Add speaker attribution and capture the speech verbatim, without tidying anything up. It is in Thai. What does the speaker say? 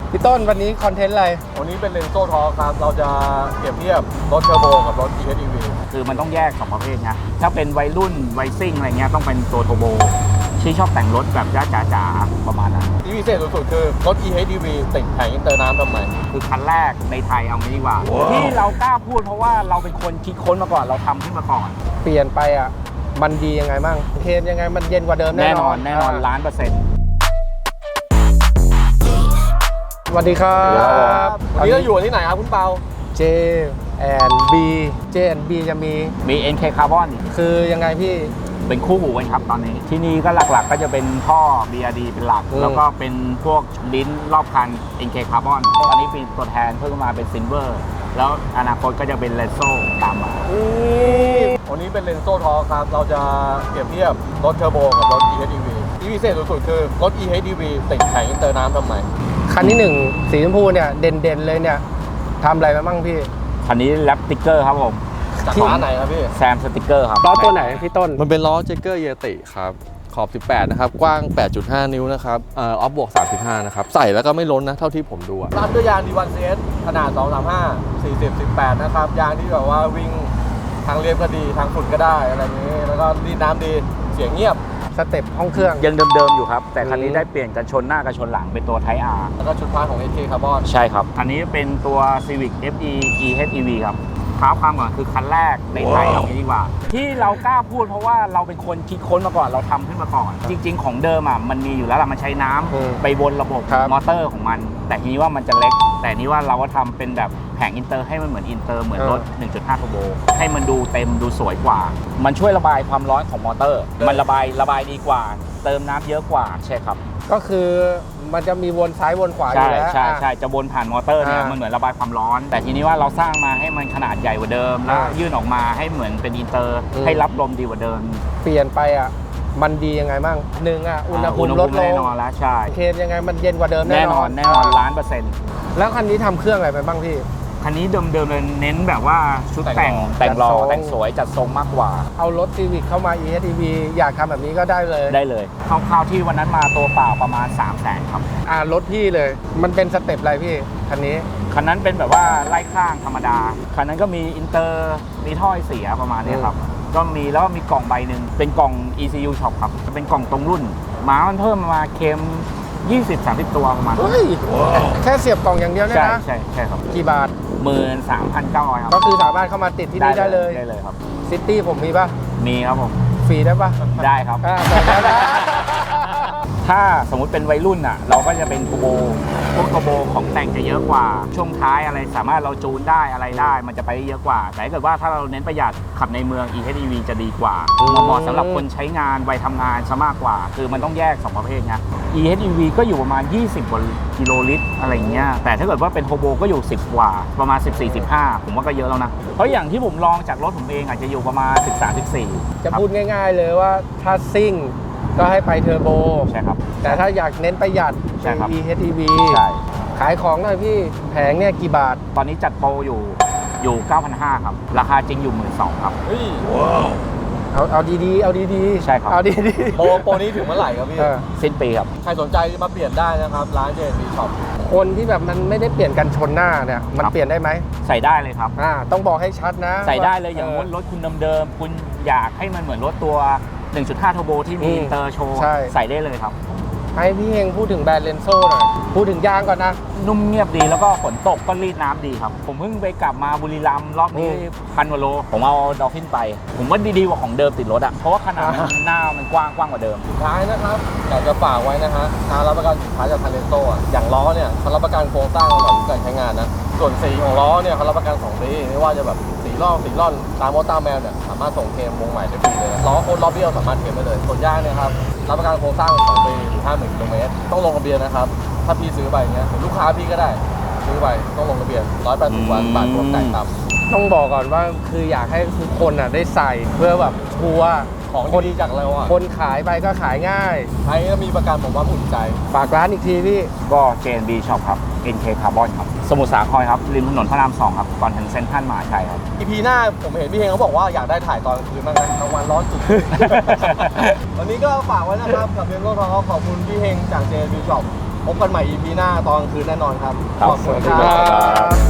Speaker 1: พี่ต้นวันนี้คอนเทนต์อะไร
Speaker 2: วันนี้เป็นเลนโซ่ทอครับเราจะเปรียบเทียบรถเทอร์โบกับรถ อี เอช อี วี
Speaker 3: คือมันต้องแยกสองประเภทนะถ้าเป็นวัยรุ่นวัยซิ่งอะไรเงี้ยต้องเป็นตัวโทโบที่ชอบแต่งรถแบบจ้าจ๋าๆประมาณนั้น
Speaker 2: ที่พิเศษสุดๆคือรถ อี เอช อี วี ติดแผงอินเตอร์น้ำทำไม
Speaker 3: คือคันแรกในไทยเอางี้ดีกว่า wow. ที่เรากล้าพูดเพราะว่าเราเป็นคนคิดค้นมาก่อนเราทำขึ้นมาก่อน
Speaker 1: เปลี่ยนไปอ่ะมันดียังไงบ้างเทนยังไงมันเย็นกว่าเดิมแน่นอน
Speaker 3: แน่นอนล้านเปอร์เซ็นต์
Speaker 1: สวัสดีครับ
Speaker 2: วันนี้เราอยู่ที่ไหนครับคุณเปา
Speaker 1: J แอนด์ B J แอนด์ B จะมี
Speaker 3: มี เอ็น เค Carbon
Speaker 1: คือยังไงพี่
Speaker 3: เป็นคู่หูกันครับตอนนี้ที่นี่ก็หลักๆก็จะเป็นท่อ บี อาร์ ดี เป็นหลักแล้วก็เป็นพวกลิ้นรอบคัน เอ็น เค Carbon ตอนนี้เป็นตัวแทนเพิ่มมาเป็น Silver แล้วอนาคตก็จะเป็นเลนโซ่ตามมา
Speaker 2: วันนี้เป็นเลนโซ่ทอครับเราจะเปรียบเทียบรถเทอร์โบกับรถ อี เอช อี วี ที่พิเศษสุดๆคือรถ อี เอช อี วี ติดแผงอินเตอร์น้ำทำไม
Speaker 1: คันที่หนึ่งสีชมพูเนี่ยเด่นๆเลยเนี่ยทำอะไรมาบ้างพี่
Speaker 3: คันนี้แรปสติกเกอร์ครับผม
Speaker 2: จากร้านไหนครับพี่
Speaker 3: แซมสติกเกอร์ครับ
Speaker 1: ล้อตัวไหนพี่ต้น
Speaker 4: มันเป็นล้อเจเกอร์เยติครับขอบสิบแปดนะครับกว้าง แปดจุดห้า นิ้วนะครับเอ่อออฟบวกสามสิบห้านะครับใส่แล้วก็ไม่ล้นนะเท่าที่ผมดู
Speaker 2: ตามด้วยยาง ดี วัน ซี เอส ขนาดสองสามห้า สี่สิบ สิบแปดนะครับยางที่แบบว่าวิ่งทางเรียบก็ดีทางฝุ่นก็ได้อะไรอย่างนี้แล้วก็รีดน้ำดีเสียงเงียบ
Speaker 1: สเต็ปห้องเครื่อง
Speaker 3: ยังเดิมๆอยู่ครับแต่คันนี้ได้เปลี่ยนกันชนหน้ากับชนหลังเป็นตัว Type R
Speaker 2: แล้วก็ชุดพาร์ทของ เอส เค Carbon
Speaker 3: ใช่ครับคันนี้เป็นตัว Civic เอฟ อี อี เอช อี วี ครับท้าความก่อนคือคันแรกในไทยเอางี้ดีกว่าที่เรากล้าพูดเพราะว่าเราเป็นคนคิดค้นมาก่อนเราทำขึ้นมาก่อนจริงๆของเดิมอ่ะมันมีอยู่แล้วล่ะมันใช้น้ำไปวนระบบมอเตอร์ของมันแต่ทีนี้ว่ามันจะเล็กแต่นี้ว่าเราก็ทำเป็นแบบแผงอินเตอร์ให้มันเหมือนอินเตอร์เหมือนรถ หนึ่งจุดห้า Turbo ให้มันดูเต็มดูสวยกว่ามันช่วยระบายความร้อนของมอเตอร์มันระบายระบายดีกว่าเติมน้ำเยอะกว่าใช่ครับ
Speaker 1: ก็คือมันจะมีวนซ้ายวนขวาอยู่แล้ว
Speaker 3: ใช่ใช่จะวนผ่านมอเตอร์เนี่ยมันเหมือนระบายความร้อนแต่ทีนี้ว่าเราสร้างมาให้มันขนาดใหญ่กว่าเดิมแล้วยื่นออกมาให้เหมือนเป็นอินเตอร์ให้รับลมดีกว่าเดิม
Speaker 1: เปลี่ยนไปอ่ะมันดียังไงบ้างหนึ่งอ่ะอุณหภูมิลดลง
Speaker 3: แน่นอนแล้วใช่
Speaker 1: เคนยังไงมันเย็นกว่าเดิม
Speaker 3: แน่นอนแน่นอนล้านเปอร์เซ็นต์
Speaker 1: แล้วคันนี้ทำเครื่องอะไรไปบ้างพี่
Speaker 3: คันนี้เดิมๆเลยเน้นแบบว่าชุดแต่งแต่งหล่อแต่งสวยจัดทรงมากกว่า
Speaker 1: เอารถ Civic เข้ามา อี เอช อี วี อยากทำแบบนี้ก็ได้เลย
Speaker 3: ได้เลยคร่าวๆที่วันนั้นมาตัวเปล่าประมาณ สามแสน ครับ
Speaker 1: อ่ารถพี่เลยมันเป็นสเต็ปอะไรพี่คันนี้
Speaker 3: คันนั้นเป็นแบบว่าไล่ข้างธรรมดาคันนั้นก็มีอินเตอร์มีท่อเสียประมาณนี้ครับก็มีแล้วก็มีกล่องใบหนึ่งเป็นกล่อง อี ซี ยู Shop ครับจะเป็นกล่องตรงรุ่นม้ามันเพิ่มมาเค็มยี่สิบ สามสิบ ตัวประมาณ
Speaker 1: แค่เสียบกล่องอย่างเดียวเนี่ยนะ
Speaker 3: ใช่ใช่ครับ
Speaker 1: กี่บาท
Speaker 3: หมื่นสามพันเก้าร้อย ครับ
Speaker 1: ก็คือสามารถเข้ามาติดที่นี่ได้เลย
Speaker 3: ได้เลยครับ
Speaker 1: ซิตี้ผมมีป่ะ
Speaker 3: มีครับผม
Speaker 1: ฟรีได้ป่ะ
Speaker 3: ได้ครับถ้าสมมุติเป็นวัยรุ่นอ่ะเราก็จะเป็นทูโบพวกทูโบของแต่งจะเยอะกว่าช่วงท้ายอะไรสามารถเราจูนได้อะไรได้มันจะไปได้เยอะกว่าแต่ถ้าเกิดว่าถ้าเราเน้นประหยัดขับในเมือง อี เอช อี วี จะดีกว่าเหมาะสำหรับคนใช้งานวัยทำงานซะมากกว่าคือมันต้องแยกสองประเภทนะ อี เอช อี วี ก็อยู่ประมาณยี่สิบกว่ากิโลลิตรอะไรเงี้ยแต่ถ้าเกิดว่าเป็นโทโบก็อยู่สิบกว่าประมาณสิบสี่ สิบห้าผมว่าก็เยอะแล้วนะเพราะอย่างที่ผมลองจากรถผมเองอาจจะอยู่ประมาณสิบสาม สิบสี่
Speaker 1: จะพูดง่ายๆเลยว่าถ้าซิ่งก็ให้ไปเทอร์โบ
Speaker 3: ใช่ครับ
Speaker 1: แต่ถ้าอยากเน้นประหยัดเป็น อี เอช อี วี
Speaker 3: ใช่
Speaker 1: ขายของหน่อยพี่แผงเนี่ยกี่บาท
Speaker 3: ตอนนี้จัดโปรอยู่อยู่ เก้าพันห้าร้อย ครับราคาจริงอยู่ หมื่นสองพัน ครับ
Speaker 2: เฮ้ยว้าว
Speaker 1: เอาเอาดีๆเอาดี
Speaker 3: ๆใช่ครับ
Speaker 1: เอาดี
Speaker 2: ๆโปรโปรนี้ถึงเมื่อไหร่ครับพี่
Speaker 3: สิ้นปีครับ
Speaker 2: ใครสนใจมาเปลี่ยนได้นะครับร้าน เจ เอ็น บี Shop
Speaker 1: คนที่แบบมันไม่ได้เปลี่ยนกันชนหน้าเนี่ยมันเปลี่ยนได้ไหม
Speaker 3: ใส่ได้เลยครับ
Speaker 1: อ่าต้องบอกให้ชัดนะ
Speaker 3: ใส่ได้เลยอย่างรถคุณเดิมๆคุณอยากให้มันเหมือนรถตัว หนึ่งจุดห้า Turbo ที่มีอินเตอร์โชว์ใส่ได้เลยครับ
Speaker 1: ให้พี่เฮงพูดถึงแบรนด์เลนโซ่หน่อยพูดถึงยางก่อนนะ
Speaker 3: นุ่มเงียบดีแล้วก็ฝนตกก็รีดน้ำดีครับผมเพิ่งไปกลับมาบุรีรัมย์รอบนี้พันกว่าโลผมเอาดอลฟินไปผมว่าดีๆกว่าของเดิมติดรถอ่ะเพราะว่าขนาดหน้ามันกว้างกว้างกว่าเดิม
Speaker 2: สุดท้ายนะครับอยากจะฝากไว้นะฮะการรับประกันสินค้าจากทางเลนโซ่อะอย่างล้อเนี่ยเขารับประกันโครงสร้างตลอดการใช้งานนะส่วนสีของล้อเนี่ยเขารับประกันสองปีไม่ว่าจะแบบสีร่องสีร่อนตามมอเตอร์แมวเนี่ยสามารถส่งเคลมวงใหม่ได้ฟรีเลยล้อโค้ดล้อเบี้ยวสามารถเคลมได้เลยส่วนยางเนี่ยครับรับประกันโครงสร้างสองปีหรือห้าหมื่นกิโลเมตรต้องลงทะเบียนนะครับถ้าพี่ซื้อไปเงี้ยลูกค้าพี่ก็ได้ซื้อไปต้องลงทะเบียนร้อยแปดสิบวันบาทรวมจ่ายต่ำ
Speaker 1: ต้องบอกก่อนว่าคืออยากให้ทุกคนอ่ะได้ใส่เพื่อแบบชัวร์
Speaker 2: ของดีจากเราอ่ะ
Speaker 1: คนขายไปก็ขายง่าย
Speaker 2: ใช้แล้วมีประกันผมว่าอุ่นใจ
Speaker 1: ฝากร้านอีกทีพี่
Speaker 3: ก็ เจ เอ็น บี Shop ครับ เอ็น เค Carbon ครับสมุทรสาครครับริมถนนพระรามสองครับก่อนถึงเซ็นทรัลมหาชัยครับ
Speaker 2: อี พี หน้าผมเห็นพี่เฮงเขาบอกว่าอยากได้ถ่ายตอนกลางคืนบ้างนะกลางวันร้อนจุด วันนี้ก็ฝากไว้นะครับกับเรียนโลกทองขอบคุณพี่เฮงจาก เจ เอ็น บี Shop พบกันใหม่ อี พี หน้าตอนกลางคืนแน่นอนครับ
Speaker 3: ครับ
Speaker 2: ขอบคุณ
Speaker 3: สวัสดี
Speaker 2: ค
Speaker 3: ครั
Speaker 2: รับ
Speaker 3: บ